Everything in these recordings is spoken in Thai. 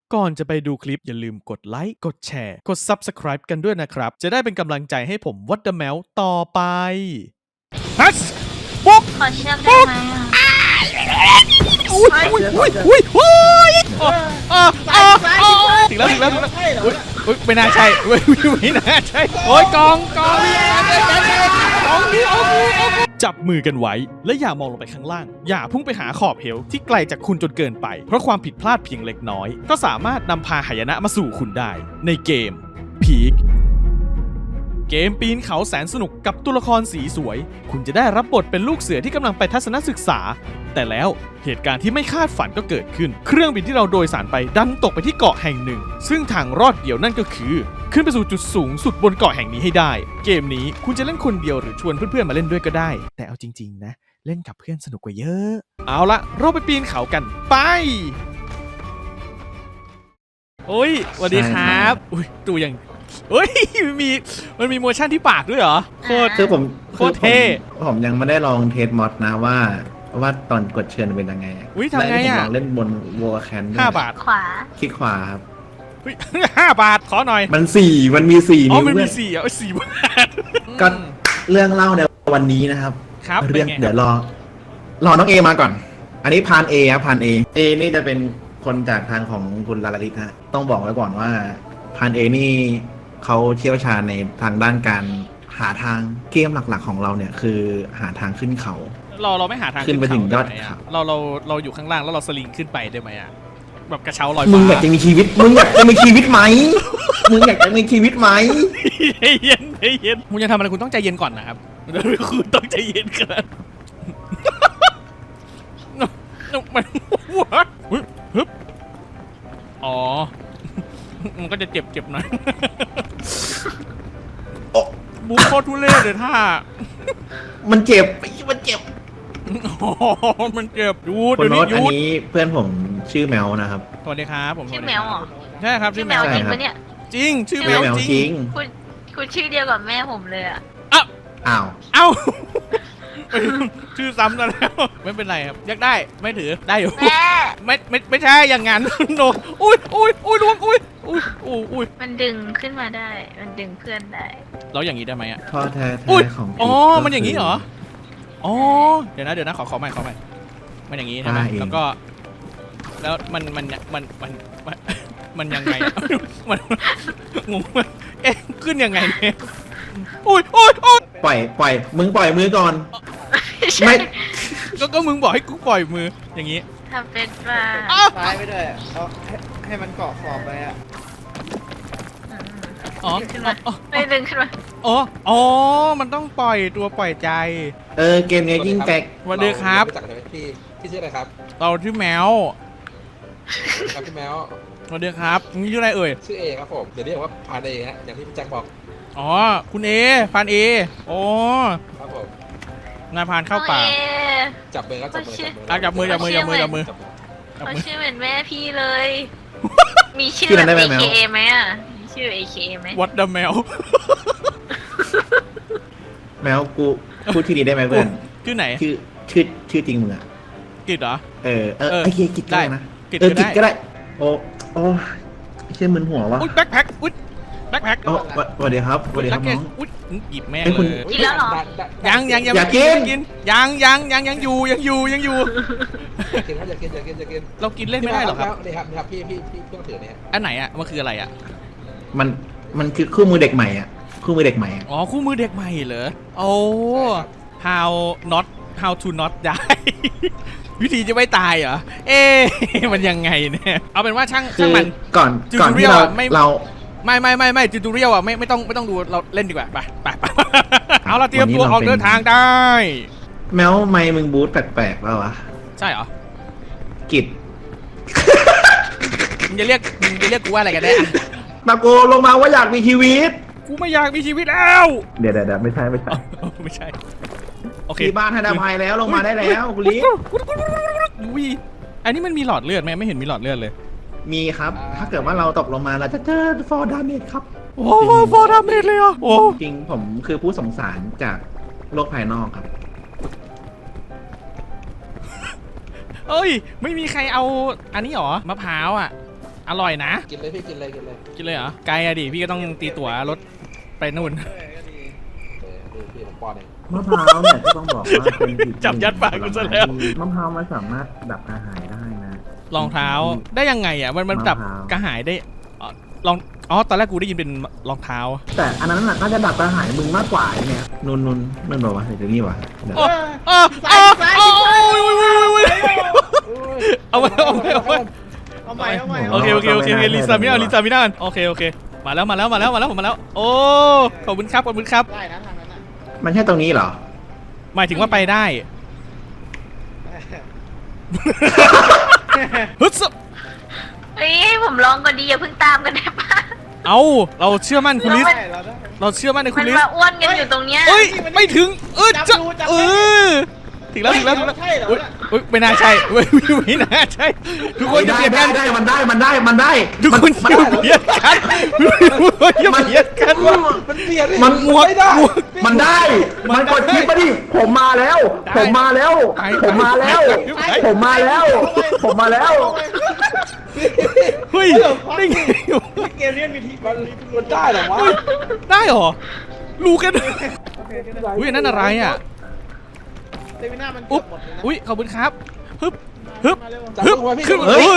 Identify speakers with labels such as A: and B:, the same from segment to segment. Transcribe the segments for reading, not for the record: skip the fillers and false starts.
A: ก่อนจะไปดูคลิปอย่าลืมกดไลค์กดแชร์กด Subscribe กันด้วยนะครับจะได้เป็นกำลังใจให้ผมวัดเดอะแมวต่อไปฮัสปุ๊บ
B: ขอเชือกได้ไหมอ่ะ
A: อุ้ยถึงแล้วอุ้ยไม่น่าใช่ไม่น่าใช่โอ้ยกองจับมือกันไว้และอย่ามองลงไปข้างล่างอย่าพุ่งไปหาขอบเหวที่ไกลจากคุณจนเกินไปเพราะความผิดพลาดเพียงเล็กน้อยก็สามารถนำพาหายนะมาสู่คุณได้ในเกม Peak เกมปีนเขาแสนสนุกกับตัวละครสีสวย คุณจะได้รับบทเป็นลูกเสือที่กำลังไปทัศนศึกษา แต่แล้วเหตุการณ์ที่ไม่คาดฝันก็เกิดขึ้น เครื่องบินที่เราโดยสารไปดันตกไปที่เกาะแห่งหนึ่ง ซึ่งทางรอดเดียวนั่นก็คือ ขึ้นไปสู่จุดสูงสุดบนเกาะแห่งนี้ให้ได้ เกมนี้คุณจะเล่นคนเดียวหรือชวนเพื่อนๆมาเล่นด้วยก็ได้ แต่เอาจริงๆนะเล่นกับเพื่อนสนุกกว่าเยอะ เอาละเราไปปีนเขากันไปโอ้ยสวัสดีครับอุ้ยตัวอย่างเฮ้ยมันมีโมชั่นที่ปากด้วยเหรอโคตร
C: คือผม
A: โคตรเท่
C: ผมยังไม่ได้ลองเทสมอดนะว่าตอนกดเชิญเป็นยังไง
A: อุ๊ยทำไงอะ
C: และผมลองเล่นบนวอลแคน
A: 5 บาท
B: ขวา
C: คลิกขวาครับ
A: เฮ้ย 5 บาทขอหน่อย
C: มันมีสี่
A: อ๋อ
C: นิ้ว
A: มันมี
C: เว้ย
A: 4 4 บาท
C: ก็เรื่องเล่าในวันนี้นะครับ
A: ครับ
C: เรื่อง
A: เป็นไง
C: เดี๋ยวรอน้องเอมาก่อน อันนี้พานเอครับพานเอนี่จะเป็นคนจากทางของคุณลาลาลิตฮะต้องบอกไว้ก่อนว่าพานเอนี่เขาเชี่ยวชาญในทางด้านการหาทางเกมหลักๆของเราเนี่ยคือหาทางขึ้นเขา
A: เราไม่หาทาง
C: ขึ้นไปถึงยอด
A: ได้ไหม
C: เขา
A: อะเราอยู่ข้างล่างแล้วเราสลิงขึ้นไปได้ไหมอะแบบกระเช้าลอย
C: มึ
A: ฟ้าง
C: อยากจะมีชีวิตไหมมึงอยากจะมีชีวิตไหมมึงอย
A: ใจเย็นคุณจะทำอะไรคุณต้องใจเย็นก่อนนะครับคุณต้องใจเย็นก่อนมันฮึบอ๋อมันก็จะเจ็บหน่อย บูโคตรทุเรศเลยท่า
C: มันเจ็บมันเจ็บ
A: อ๋อมันเจ็บยูด
C: คน
A: เดี๋ยว
C: โน้
A: นี้
C: ตอัน
A: ยูด
C: นี้เพื่อนผมชื่อแมวนะครับ
A: สวัสดีครับผม
B: ชื่อแมวเหรอ
A: ใช่ครับ
B: ชื่
A: ชื่
B: อ
A: อ
B: แม
A: แม
B: ว
A: ว
B: จริงปะเนี่ย
A: จริงชื่อแมว
C: แมว
A: จ
C: จ
A: ริ
C: ริ
A: ง
C: ง
B: คุณชื่อเดียวกับแม่ผมเลยอ่ะ
A: อ้าว
C: อ้าว
A: เอ้าชื่อซ้ำกันแล้วไม่เป็นไรครับอยากได้ไม่ถือได้อยู่
B: แม่
A: ไม่ใช่อย่างงั้นโนอุ้ยล้วงอุ้ย
B: มันดึงขึ้นมาได้ มันดึงเพื่อนได้
A: เราอย่างนี้ได้ไหมอ่ะ
C: พ่อแท้
A: อุ๊ย
C: ๆของ
A: อ๋อ
C: พีทก็
A: มันอย่างนี้เหรอ
C: คื
A: อ๋อเดี๋ยวนะขอใหม่มันอย่างนี้ใช่ไหม
C: เอง
A: แล้วก็แล้วมันยังไงอะมันงงมากเอ๊ะขึ้นยังไงเนี่ยอุ้ย
C: ปล่อยมึงปล่อยมือก่อน
B: ไม่
A: ก็มึงบอกให้กูปล่อยมืออย่างนี้
B: ทำเป็นว่า
A: อ้าว
D: ซ้ายไปด้วยเอาให้มันเกาะขอบไปอ่ะ
A: อ๋อ
B: ดึงขึ้นมาไม่ดึงขึ้นมา
A: อ๋อมันต้องปล่อยตัวปล่อยใจ
C: เกมนี้ยิ่งแตก
A: สวัสดีครับ
D: เารู้จักกันไหมพี่ชื่ออะไรครับ
A: เราชื่อแมว
D: ครับพี่แมว
A: สวัสดีครับนี่ชื่ออะไรเอ่ย
D: ชื่อเอครับผมเดี๋ยวเรียกว่าพาเดฮะอย่างที่พี่แจ็คบอก
A: อ๋อคุณเอพันเออ๋อ
D: ครับผม
A: นายพานเข้าป่า
B: น้องเอ
D: จับมือครับจับมือ
A: อ่ะจับมือ
D: จับมือ
B: เขาชื่อเหมือนแม่พี่เลย มีชื่อ
C: ชื่อนั้นได้ไหม
B: AKA ไหมอ่ะมีชื่อ AKA ไหม
A: วัดเดอะแมว
C: แมวกูพูดที่นี้ได้ไหมเพื่อน
A: ชื่อไหน
C: ชื่อจริงมึงอะ
A: กิดเหรอ
C: ไอ้เคียกิจก็ได้นะ
A: กิจ
C: กิจ
A: ก็
C: ก็
A: ได้
C: ได้โอ้เชื่อมึนหัววะ
A: อุ้ยแบ็คแพ็คอุ้ยแบ็คแพ็ค
C: โอ้สวัสดีครับสวัสดีครับน้อง
A: อุ้ยหยิบแม่ง
C: เอ้ยคุณ
A: เลย
B: กินแล้วเหรอ
A: ยัง
C: อย่ากิน
A: ยังอยู่
D: อยากกินครับอยากกิน
A: เรากินเล่นไม่ได้หรอครับ
D: นี่ครับพี่เพิ่งถือเนี่ย
A: อันไหนอ่ะมันคืออะไรอ่ะ
C: มันคือคู่มือเด็กใหม่อ่ะคู่มือเด็กใหม่อะ
A: อ๋อคู่มือเด็กใหม่เหรอโอ้ how to not die วิธีจะไม่ตายเหรอเอ๊ะมันยังไงเนี่ยเอาเป็นว่าช่าง
C: คือ
A: มัน
C: ก่อนที่
A: tutorial อะไม่
C: เรา
A: ไม่จูตูเรียลอ่ะไม่ต้องดูเราเล่นดีกว่าไปเอาละเตรียมตัวออกเดินทางได้
C: แมวไม่มึงบูทแปลกๆแล้ววะ
A: ใช่เหรอ
C: กิจ
A: มึงจะเรียกกูว่าอะไรกันแน่อะ
C: ตะโกนลงมาว่าอยากมีชีวิต
A: กูไม่อยากมีชีวิตแล้ว
C: เดี๋ยวไม่ใช่
A: ไม่ใช่ โอเค
C: ที่บ้านให้อภัยแล้วลงมาได้แล้วคุณลิ
A: อุ้ยอันนี้มันมีหลอดเลือดไหมไม่เห็นมีหลอดเลือดเลย
C: มีครับ ถ้าเกิดว่าเราตกลงมาเราจะเจอฟอร์ดาเมจครับ
A: โอ้โหฟอร์ดาเมจเลยอ่ะโอ้
C: จริงผมคือผู้สงสารจากโลกภายนอกครับ
A: เอ้ยไม่มีใครเอาอันนี้หรอมะพร้าวอ่ะอร่อยนะ
D: กินเลยพี่กินเลยกินเลย
A: กินเลยเหรอไกลอะดิพี่ก็ต้องตีตั๋วรถไปนู่น
D: ดูพี่ผมป้อนเอง
C: มะพร้าวเนี่ยก็ต้องบอกว่าเป็นอีก
A: จับยัดปากกูซะแล้ว
C: มะพร้าวมันสามารถดับกระหายได้นะ
A: รองเท้าได้ยังไงอ่ะมันดับ
C: มะพร้าว
A: กระหายได้ลองตอนแรกกูได้ยินเป็นรองเท้า
C: แต่อันนั้นน่ะน่าจะดับกระหายมึงมากกว่าไอ้เนี่ยนุ่นนั่นบอกว่าเดี๋ยวนี้วะเดี๋ยว
A: เอาไป
E: เอาใหม่
A: โอเคลิซามิน่ากันโอเคมาแล้วผมมาแล้วโอ้ขอบคุณครับ
E: ได้นะทางนั้นน่ะ
C: มันใช่ตรงนี้เหรอ
A: หมายถึงว่าไปได้ฮึด
B: เฮ้ยให้ผมลองก่อนดีอย่าเพิ่งตามกันได้ปะ
A: เอาเราเชื่อมั่นคุณลิส
E: ได้เราได้
A: เราเชื่อมั่นในคุ
B: มั
A: ณ
B: น
A: ลิส
B: มาอ้วนกันอยู่ตรงเนี้ย
A: เอ้ยไม่ถึงจะถึงแล้ว
E: ใช่เหรอ
A: ไม่น่าใช่ไม่น่าใช่ทุกคนจะเบียดกัน
C: ได้มันได้
A: ทุกคนอย่าเบียดกันอย่าเบียดกัน
D: มันเปลี่ยน
C: มัน
D: ไม่ได้
C: มันได้ มันกดคลิปมาดิ ผมมาแล้ว
A: เฮ้ยได้ไง
E: เกมนี้มีที
D: มันได้เหรอวะ
A: ได้หรอรู้กัน
E: โอเค
A: อุ้ยนั่นอะไรอ่ะ
E: เซมิน่ามันเกือบหมดเลยนะ
A: อุ้ยขอบคุณครับฮึบ
E: มาเร็ว
D: จับ
A: ฮึบ
D: ตัวพี่
A: ขึ้นดู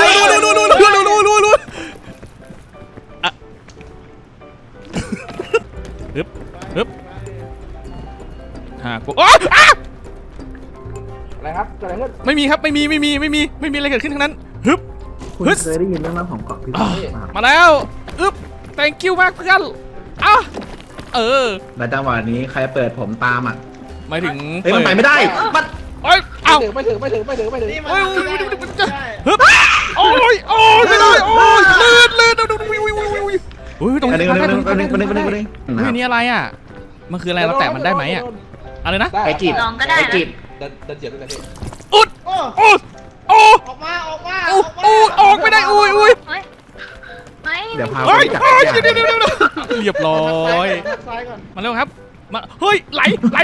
A: ฮึบกู
D: อะไรครับเกิดอะไรขึ้น
A: ไม่มีครับไม่มีอะไรเกิดขึ้นทั้งนั้นฮึบ
C: คุณเคยได้ยินเรื่องราวของเกาะพิษณุโลกป่ะ
A: มาแล้วอึ๊บ thank you มากเพื่อน
C: และจังหวะนี้ใครเปิดผมตามอ่ะ
A: หมายถึง
C: เฮ้ยมันไปไม่ได้ มัน
A: เอ้ยเอา
D: ไม่ถึง
E: นี่มัน
A: ฮึบโอ้ยไม่ได้โอ้ยลื่นอุ้ยตรง
C: อัน
A: นี้
C: นี้
A: ตรงนี้ นี่อะไรอ่ะมันคืออะไรเราแตะมันได้ไหมอ่ะอะไรนะ
C: ไอจิต
B: ลองก็ได้
C: ไอ
B: นะ
C: จิต
D: เดินเหยียบได้เลยพี่
A: อุด
E: โอ้
A: โอ้โอ้
E: ออกมา
A: ออกไม่ได้อุ้ย
B: เฮ้ยไม่
C: เดี๋ยวพาไป
A: เฮ้ย
C: จับ
A: เดี๋ยวเรียบร้อย
E: ซ้ายก่อน
A: มาเร็วครับมาเฮ้ยไหล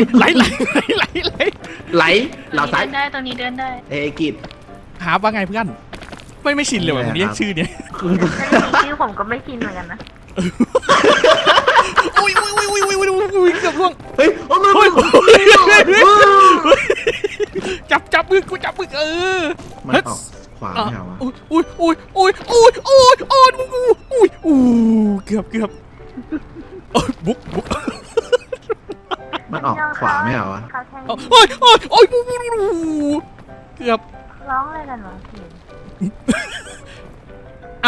C: เราซ้าย
B: เดินได้ตรงนี้เดินได้
C: ไอกิต
A: หาว่าไงเพื่อนไม่ชินเลยว่ะผมเรียกชื่อเนี้ย
B: ชื่อผมก็ไม่กินเหมือนกันนะ
A: อุ้ยเกือบล่วง
C: เฮ้ยโอ้มือ
A: จับมือกูจับมือ
C: มันออกขวาไม่เอาวะ
A: เกือบบุ๊ก
C: มันออกขวาไม่เอาวะ
A: โอ้ยเกือบ
B: ร้องอะไรกันวะพี่
A: เอ้า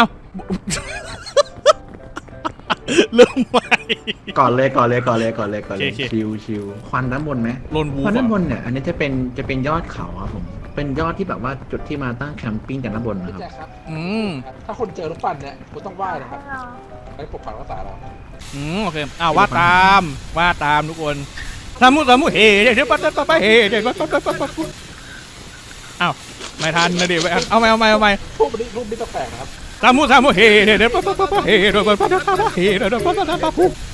A: เริ่มใหม่
C: ก่อนเลยชิวควันด้านบนไหม
A: โลนวู
C: ควันด้านบนเนี่ยอันนี้จะเป็นยอดเขาครับผมเป็นยอดที่แบบว่าจุดที่มาตั้งแคมปิ้งกันด้านบนนะ
D: พี่
C: ครับ
D: แจ็คครับ
A: ๆ
D: ถ้าคนเจอลูกปั้นเนี่ยคุณต้องไหว้นะครับให้ปกปักรักษาเรา
A: โอเคว่าตามทุกคนทำมุเฮเดี๋ยวปั๊บเฮเดี๋ยวปั๊บอ้าวไม่ทันนะดิเอาใหม่
D: รูปนี้ต้องแปลกนะครับ
A: ทำมุเฮเดี๋ยวปั๊บเฮเดี๋ยวปั๊บเฮเดี๋ยวปั๊บ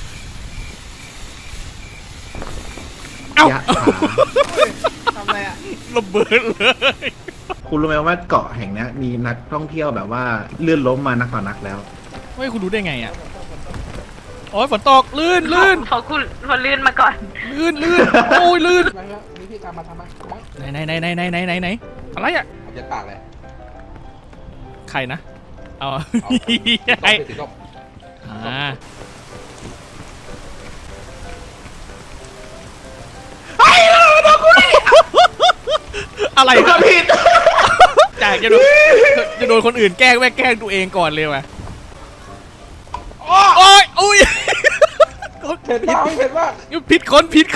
A: เอ้าย
C: ะขา
E: ทำอะไรอ่ะ
A: ระเบิดเลย
C: คุณรู้ไหมว่าเกาะแห่งนี้มีนักท่องเที่ยวแบบว่าเลื่อนล้มมานักต่อนักแล้ว
A: เฮ้ยคุณรู้ได้ไงอ่ะโอ้ยฝนตกลื่น
B: พอคุณพอลื่นมาก่อน
A: โอ้ยลื่น
D: ทำไมครับมีพี่ตามมาทำไม
A: ไหนอะไรอ่ะ
D: ผมยัดปากเลย
A: ใครนะเอา
D: เอา
A: ไอ้
D: ไปถึงก็
A: อะไร
C: ผิด
A: จากจะโดนคนอื่นแกล้งแกล้งตัวเองก่อนเลยว่ะโอ้ยอุ้ย
D: เผ็ดมากเผ็ดมาก
A: ผิดคนผิด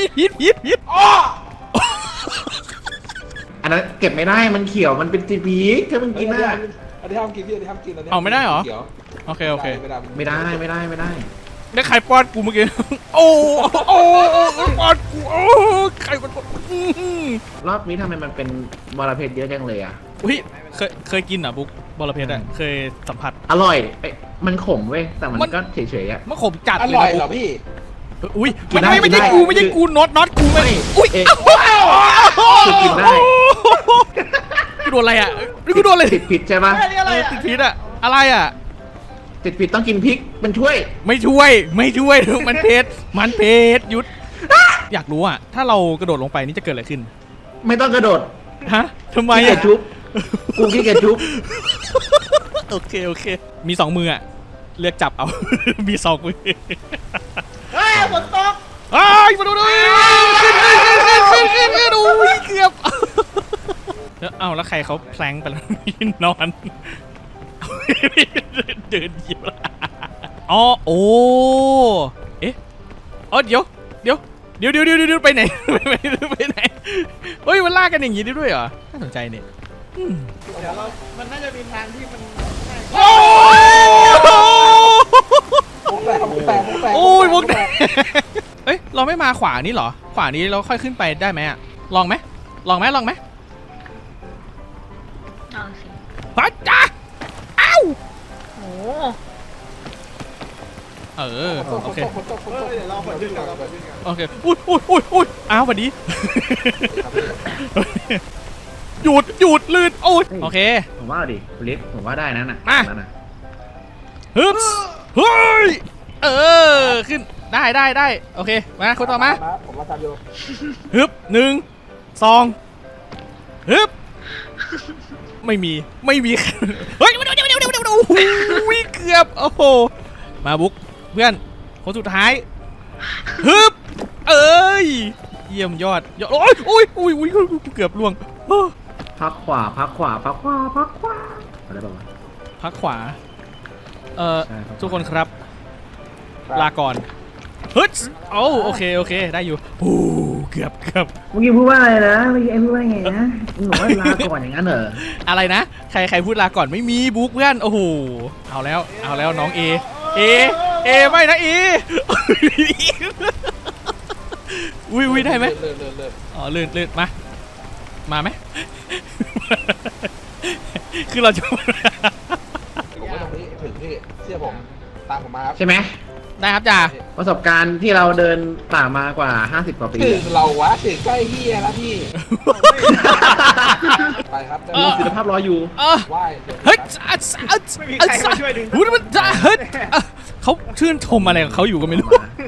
C: อันนั้นเก็บไม่ได้มันเขียวมันเป็นจีพีถ้ามึงกินได้
D: อันนี้ห้ามกินพี่อันนี้ห้ามกินอันนี้
A: เอาไม่ได้เหรอ
D: เขียว
A: โอเค
C: ไม่ได้
A: ได้ใครป้อนกูเมื่อกี้โอ้ป้อนกูโอ้ใครป้อน
C: รอบนี้ทำไมมันเป็นบอระเพ็ดเยอะจังเลยอ่ะ
A: อุ้ยเคยกินอ่ะบุ๊กบอระเพ็ดอ่ะเคยสัมผัส
C: อร่อยมันขมเว้ยแต่มันก็เฉยๆอ่ะ
A: มันขมจัด
D: อ
A: เลย
D: ร่อย
A: นะ
D: เหร
A: บุ๊
D: อก พี่
A: อุ้ย
C: กินได้
A: ไม่ใช่กูน็อตกูไม่
C: อุ้ยคือกินได้
A: กูโดนอะไรอ่ะกูโดนอะไร
C: ผิดใช่ปะ
E: อันนี้อะไรอ่ะ
A: ติดพิษอ่ะอะไรอ่ะ
C: ติดผิดต้องกินพริกมันช่วย
A: ไม่ช่วยมันเผ็ดหยุด อยากรู้อ่ะถ้าเรากระโดดลงไปนี่จะเกิดอะไรขึ้น
C: ไม่ต้องกระโดด
A: ฮะทำไม
C: ขี้เกีย
A: อ่ะ
C: จชุบกูขี้เกียจชุบ
A: โอเคมี2 มืออ่ะเลือกจับเอา มี2 มือ
E: เฮ้ยฝนตก
A: อ้ายมาดูขึ้นดูเกือบเอาแล้วใครเขาแพลงไปแล้ว นอน เดินเหยียบอ๋อโอ้เอ๊ะอ๋อเดี๋ยวไปไหนไปไหนเฮ้ยมันลากกันอย่างนี้ได้ด้วยเหรอน่าสนใจเนี่ยอืม
E: เดี๋ยวเรามันน่าจะมีทางที่มันง่าย
A: โอ้โอ้ยวงแตกเอ้ยเราไม่มาขวานี่เหรอขวานี้เราค่อยขึ้นไปได้ไหมอะลองไหม
B: เอาสิ
A: พัดจ้าอ้าว
B: โอ้
A: โอเค
D: ฝนตก
E: เดี๋ยวเราเปิดดึงก่อนเราเปิดดึงก่อน
A: โอเคอุ้ยอ้าวสวัสดีหยุดลื่นโอ้ยโอเค
C: ผมว่าดิคุณลิฟผมว่าได้นั่นน่ะ
A: มา
C: นั่นน่ะ
A: ฮึบเฮ้ยขึ้นได้โอเคมาคนต่อมา
D: ผมมาทำอยู่
A: ฮึบ1 2ฮึบไม่มีเฮ้ยเดี๋ยวโอ้โหเกือบโอ้โหมาบุ๊กเพื่อนคนสุดท้ายฮึบเอ้ยเยี่ยมยอดโอ้ยเกือบล่วง
C: พักขวาอะไรแบบว่า
A: พักขวา
C: ใช่ครับ
A: ทุกคนครับลาก่อนฮึดโอเคได้อยู่โอ้เกือบ
C: เมื่อกี้พูดว่าอะไรนะเมื่อกี้พูดว่าไงนะมึงบอกว่าลาก่อนอย่างนั้นเหรอ
A: อะไรนะใครพูดลาก่อนไม่มีบุ๊กเพื่อนโอ้โหเอาแล้วน้องเอไม่นะเออุ้ยได้ไหม
D: เริ่ม
A: อ๋อลื่นมาไหม คือเราจะ
D: ผมว่าตรงนี้ถึงพี่เชื่อผมตามผมมาครับ
C: ใช่ไหม
A: ได้ครับจ่า
C: ประสบการณ์ที่เราเดินป่ามากว่า50 กว่าปี
D: ถึงเราวะถึงใกล้เฮียแล้วพี่ไปครับ
C: มีศิลภาพรออยู่
D: ไหว้
A: เฮ้ย
E: ไม่มีใครมาช่วยดึง
A: หูมันจะเฮ้ยเขาชื่นชมอะไรของเขาอยู่ก็ไม่รู้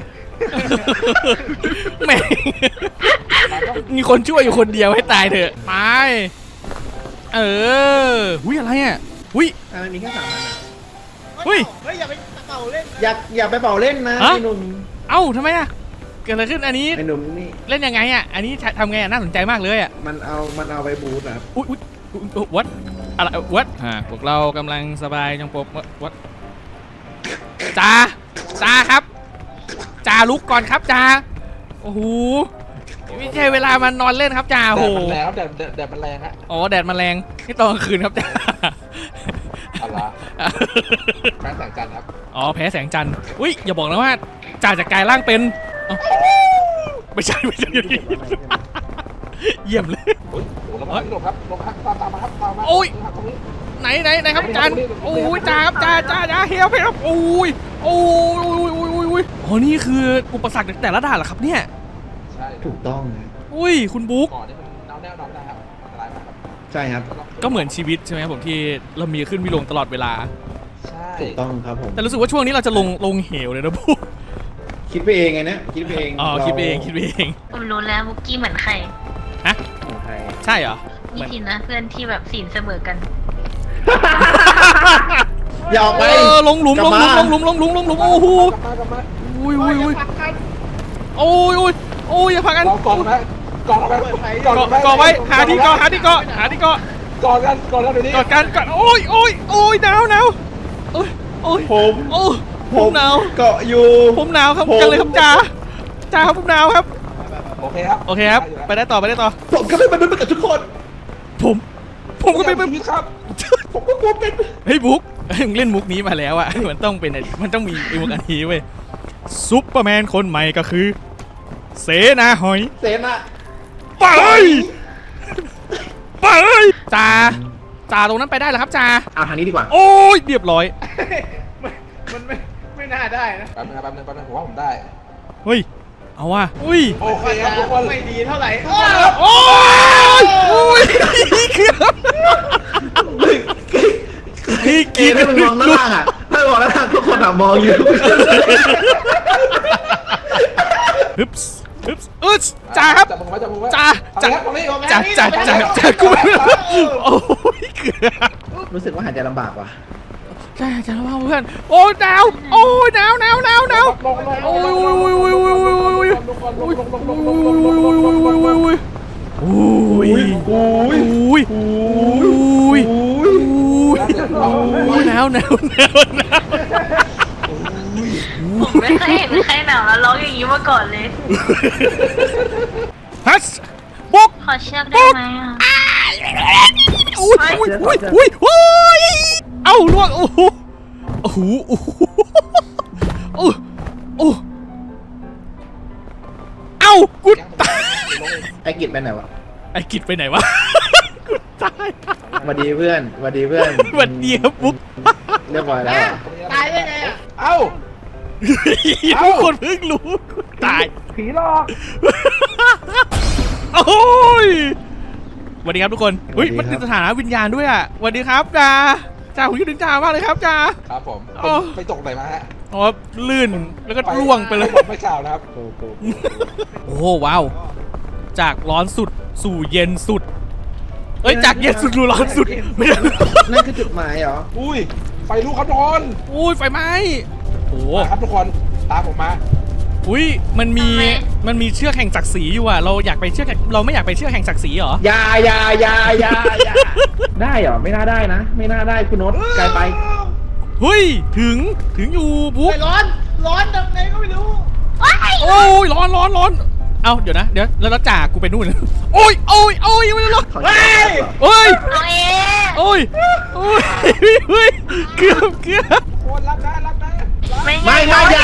A: แม่งมีคนช่วยอยู่คนเดียวให้ตายเถอะไปหุ้ยอะไรอ่ะหุ้ย
C: มันมีแค่3 อัน
A: เฮ้ย
E: อย่าไปเป่าเล่น
C: อย่าไปเป่าเล่นนะ
A: ฮะ
C: ไอ้หนุ่ม
A: เอ้าทำไมอ่ะเกิดอะไรขึ้นอันนี้
C: ไอ้หนุ่มนี่
A: เล่นยังไงอ่ะอันนี้ทำไงอ่ะน่าสนใจมากเลยอ่ะ
C: มันเอาไปบูทครับ
A: อุ๊ยวัดอะไรวัดพวกเรากำลังสบายจังปบวัดจ้าครับจ้าลุกก่อนครับจ้าโอ้โหไม่ใช่เวลามันนอนเล่นครับจ้า
D: แด
A: โอ้
D: ด
A: โห
D: มันแรงครับแดดมันแรงฮะ
A: อ๋อแดดมาแรงนี่ตอนกลางคืนครับจ้า
D: อะไรแสงจันทร์ครับ
A: อ๋อแพ้แสงจันทร์อุ้ยอย่าบอกนะว่าจ่าจะกลายร่างเป็นเอ้าไม่ใช่เยี่ยมเลย
D: โอ้แล้วมาพี่หลบครับลงครับตามมาครับตามมา
A: โอ้ย
D: ตรงนี้
A: ไหนครับจันโอ้ยจ้าครับจ้าเฮียเพครับโอ้ยอ๋อนี่คืออุปสรรคแต่ละด่านเหรอครับเนี่ย
D: ใช่
C: ถูกต้องนะ
A: อุ้ยคุณบุ๊ก
D: ก่อนนี่มันน้ำแน่นอนนะครับอันตรายมากครับ
C: ใช่ครับ
A: ก็เหมือนชีวิตใช่ไหมครับผมที่เรามีขึ้นมีลงตลอดเวลา
D: ใช่
C: ถูกต้องครับผม
A: แต่รู้สึกว่าช่วงนี้เราจะลงเหวเลยนะบุ๊ก
C: คิดไปเองไงนะคิดไปเอง
A: อ๋อคิดไปเอง
B: ผมรู้แล้วบุกกี้เหมือนใคร
C: ของใคร
A: ใช่เหรอ
B: นี่ทีนะเพื่อนที่แบบศีลเสมอกัน
C: อย่าออกไป
A: ลงหลุม
C: กลับมา
A: โอ้โห
D: กลับมา
A: อุ้ย
E: พักกัน
A: โอ้ยอย่าพักกัน
D: เราก่อนไหมก่อนไหม
A: ก่อไว้หาที่เกาะ
D: ก่อนกันเดี๋ยวนี้
A: กอดกันโอ้ยหนาวโอ้ย ผมหนาว
C: เกาะอยู่
A: ผมหนาวครับ
C: ผม
A: กันเลยครับจ้าครับผมหนาวครับ
D: โอเคครับ
A: โอเคครับไปได้ต่อ
C: ผมก็เป็นมนุษย์เหมือนกับทุกคน
A: ผมก็เป็น
D: ชีวิตครับ
C: ผมก็กลัวเป็น
A: เฮ้ยบุ๊กมึงเล่นมุกนี้มาแล้วอะมันต้องมีไอ้มุกอันนี้เว้ยซุปเปอร์แมนคนใหม่ก็คือ เสนาหอย
C: เซนอะ
A: ไปจ่าตรงนั้นไปได้เหรอครับจ่า
C: เอาทางนี้ดีกว่า
A: โอ้ยเรียบร้อย
E: มันไม่น่าได้นะ
D: แป๊บนึงผมว่าผมได้
A: เฮ้ยเอาว่ะอุ้ย
D: โอเคครับทุกคน
E: ไม่ดีเท่าไหร่
A: โอ้ยเกือบ
C: ค
A: พี่
C: เอถ้ามึงมองด้านล่างอ่ะถ้ามองด้านล่างทุกคนมองอยู่
A: ฮึบฮึบจ่าครับ
D: จับมือไว้จับมือไว้
A: จ่า
D: จ่า
A: จ่ากูโอ้ยเกือบ
C: รู้สึกว่าหายใจลำบากว่ะ
A: จ่าระวังเพื่อนโอ้ยหนาวโอ้ยหนาวโอ้ยโอ้ยโอ้ยโอ้ยโอ้ยโอ้ยโอ้ยโอ้ยหนาว
B: ผมไม่เคยเห็นใครหนาวแล้วร้องอย่างนี้มาก่อนเลย
A: ฮัสบุก
B: ขอเชือกได้ไหมอ่ะ
A: อุ้ยเอ้าล่วงโอ้โหโอ้โหโอ้โหโอ้เอ้ากูตาย
C: ไอ้กิจไปไหนวะ
A: ไอ้กิจไปไหนวะกูตาย
C: สวัสดีเพื่อนสวัสดีเพื่อน
A: วันเดียวบุ๊ก
C: เรียบร้อยแล้ว
E: ตายได้ไงอ่ะ
D: เอ้า
A: ทุกคนเพิ่งรู้กูตาย
D: ผีหลอก
A: โอ้ยสวัสดีครับทุกคนเฮ้ยมันเป็นสถานะวิญญาณด้วยอ่ะสวัสดีครับจ่าผมคิดถึงจ่ามากเลยครับจ่า
D: ครับผม
A: โอ้
D: ไปตกไหนมาฮะ
A: อ๋อลื่นแล้วก็ล่วงไปเลย
D: ไม่ข่าวนะครับ
A: โอ้ว้าวจากร้อนสุดสู่เย็นสุดเอ้ยจากเย็นสุดสู่ร้อนสุดไม่ได้
C: นั่นคือจุดหมายเหรอ
D: อุ้ยไฟลุกครับทุกคน
A: อุ้ยไฟไหม้โอ้
D: มาครับทุกคนตามผมมา
A: อุ้ยมันมีเชือกแห่งศักดิ์ศรีอยู่อ่ะเราอยากไปเชือกเราไม่อยากไปเชือกแห่งศักดิ์ศรีเหรอ
C: อย่าได้เหรอไม่น่าได้นะ ไม่น่าได้คุณโน้ตไกลไป
A: เฮ้ยถึงอยู่บุ๊ก
E: ไม่ร้อนดังไงก็ไม่รู้
A: โอ้ยร้อนเอาเดี๋ยวแล้วจ่ากูไปนู่นโอ้ยไม่ได้หรอก
C: ขอโทษครับ
A: โอ้ย
B: น้องเอ
A: โอ้ยเกือบ
D: คนรับนะรับนะ
B: ไม่
C: อย่า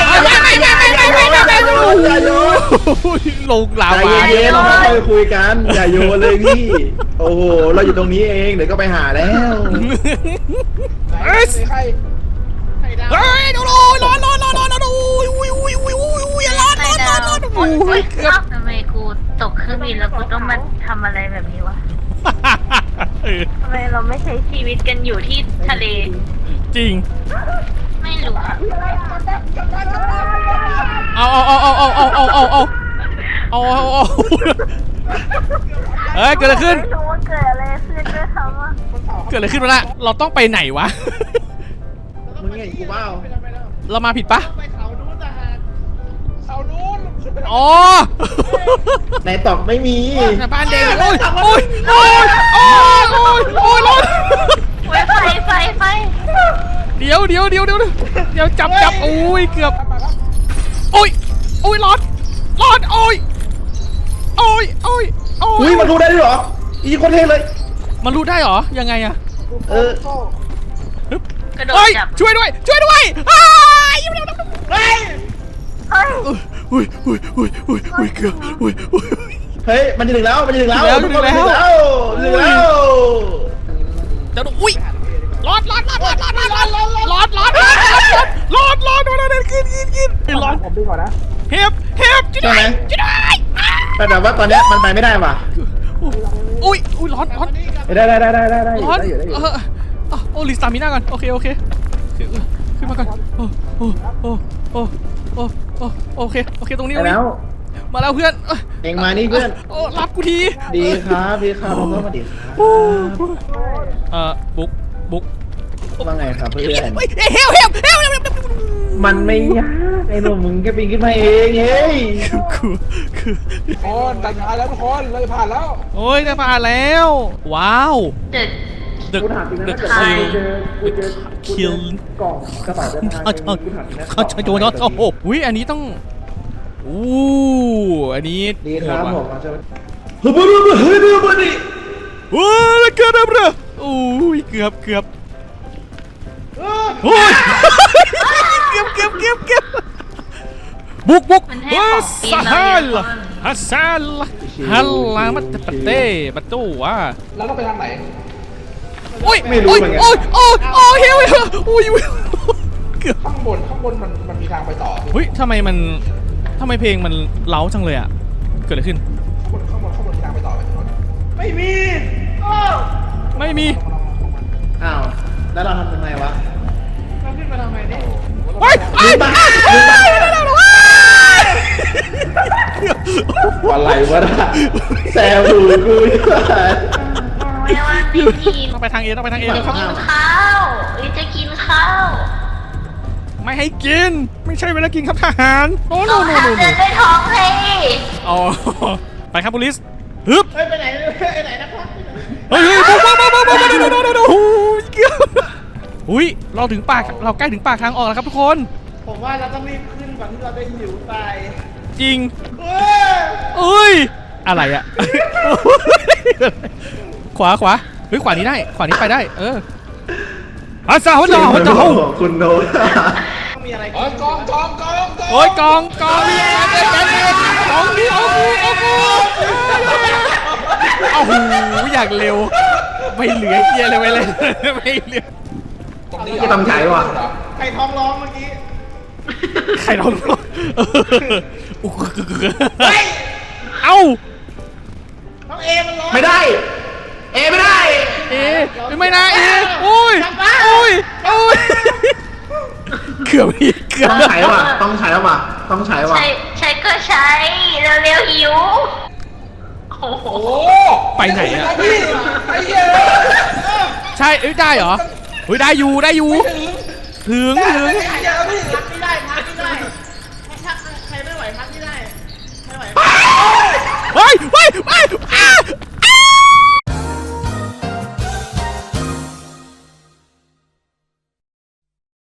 C: โยน
A: ลงลา
C: ใจ
A: วา
C: เย็นๆเราค่อยคุยกันอย่าโยนเลยพี่โอ้โหเราอยู่ตรงนี้เองเดี๋ยวก็ไปหาแล้ว
D: ใคร
E: ไข่ดาว
A: เฮ้ยร้อนร้อนเกือบ
B: ทำไมกูตกเครื่องบินแล้วกูต้องมาทำอะไรแบบนี้วะทำไมเราไม่ใช้ชีวิตกันอยู่ที่ทะเล
A: จริง
B: ไม่รู้อะ
A: เอาเฮ้ยเกิดอะไรขึ้น
B: ไม่รู้ว่าเกิดอะไรขึ้นด้วยซ้ำอ่ะ
A: เกิดอะไรขึ้นวะน่ะเราต้องไปไหนวะ
C: มึงไงกูว่า
A: เรามาผิดปะ
E: ไปเขานู้นทหาร
D: เสานู้น
A: อ๋อ
C: ในตอกไม่มี
A: บ้านเด็กโอ้ยร้อน
B: ไฟ
A: เดี๋ยวจับโอ้ยเกือบโอ้ยร้อนโอ้ย
C: อุ้ยมันดูได้ด้วยเหรออีโคตรเท่เลย
A: มันรู้ได้เหรอยังไงอะ
C: เออ
B: กระโดด
A: เฮ้ย
B: จับ
A: ช่วยด้วย
B: เฮ้ย
A: อุ้ยเกือบ
C: เฮ้ยมันจะถึงแล้วมันจะถึงแล้ว
A: ถึงแล้ว เดี๋ยวอุ้ยร้อนขึ้นร้อน
D: ผมดีก่อนนะ
A: เฮ็บจะได้
C: แต่ว่าตอนเนี้ยมันไปไม่ได้ว่ะ
A: อุ้ยร้อน
C: ได้
A: ร้อน
C: อยู่ได้อยู่
A: โอ้ลิสตามิน่าก่อนโอเคขึ้นมาก่อนโอเคตรงนี้
C: แล้ว
A: มาแล้วเพื่อน
C: เองมานี่เพื่อน
A: โอ้รับกูที
C: ดีครับผมก็มาดีครับ
A: บุ๊ก
C: ว่าไงครับเพื่อน
A: เฮล
C: มันไม่ยากไอ้หนุ่มมึงแค่ปีนขึ้นมาเองเฮ้ย
A: คือ
D: คนตัดท้ายแล้วทุกคนเราจะผ่านแล้ว
A: โอ้ยจะผ่านแล้วว้าว
B: เด็ก
A: The
C: กูถามจริงนะ
A: The
C: ถ้าเกิด
A: Kill
C: กล่องกระเป๋าเดินทาง
A: โอ้โหอุ้ยอันนี้ต้องอันนี้
C: ดีครับผมมาเจอ
A: โอ้ยเกือบเลยโอ้ยเกือบโอ้ยเกือบบุก
B: มันให้ของปีนเราเยอะ
A: ฮัลลามัตปะเต้ปะตู้วะ
D: เราต้องไปทางไหน
A: โอ้ยเฮลเกือบ
D: ข้างบนมันมีทางไปต่อ
A: เฮ้ยทำไมเพลงมันเล้าจังเลยอ่ะเกิดอะไรขึ้น
D: ข้างบนมีทางไปต่อไหมทุกคน
E: ไม่มี
A: ไม่มี
C: อ้าวแล้วเราทำยังไงวะ
E: เราขึ้นมาทำไมเนี่ย
A: เฮ้ย
C: ลืมตาอะไรวะน่ะแซวหูกูอยู่
B: ไม่ว่าไม่กิน
A: ต้องไปทางเอต้องไปทางเอแล้วครับ
B: กินข้าวจะกินข้าว
A: ไม่ให้กิน ไม่ใช่เวลากินครับทหารโอ้โน
B: ต้อง
A: โน
B: ทำ
A: โน
B: เดินด้วยท้องเลย
A: อ๋อไปครับบุลิสฮึบ
E: เฮ้ยไปไหนไปไหนนะครับ
A: เฮ้ยปุ๊บปุ๊บปุ๊บปุ๊บปุ๊บปุ๊บอุ้ยเราถึงปากเราใกล้ถึงปากทางออกแล้วครับทุกคน
E: ผมว่าเราต้องรีบขึ้นก่อนที่เราจะหิวตาย
A: จริง
E: เออ
A: เอ้ยอะไรอะขวาเฮ้ยขวานี้ได้ขวานี้ไปได้อาซาหัวจ่อ
C: คุณโน้ต
E: ต้องมีอะไร
D: เอ้ยกอง
A: โอ้ยกองนี่กองนี่เอากูโอ้โหอยากเร็วไม่เหลือเกียร์เลยไม่เหลือ
D: ตรงนี้
C: จะทำใช้ว่ะ
E: ใครท้องร้องเมื่อกี้
A: ใครลอง
E: เฮ้ย
A: เอ้า
E: น้องเอมันร้อง
C: ไม่ได้ ไม่ได้
A: ไม่นะโอ้ยเกือบ
C: ต้องใช้ว่ะต้องใช้ว่ะ
B: ใช้ก็ใช้เร็วๆหิวโอ้โห
D: โอ้
A: ไปไหนอะ
D: พี่ไอ้เหี้ย
A: ใช่ได้เหรอเฮ้ยได้อยู่ถึง
D: ไอ้เหี้ยพี่
E: พักไม่ได้พักไม่ได้ถ้าใครไม่ไหวพักไม่ได้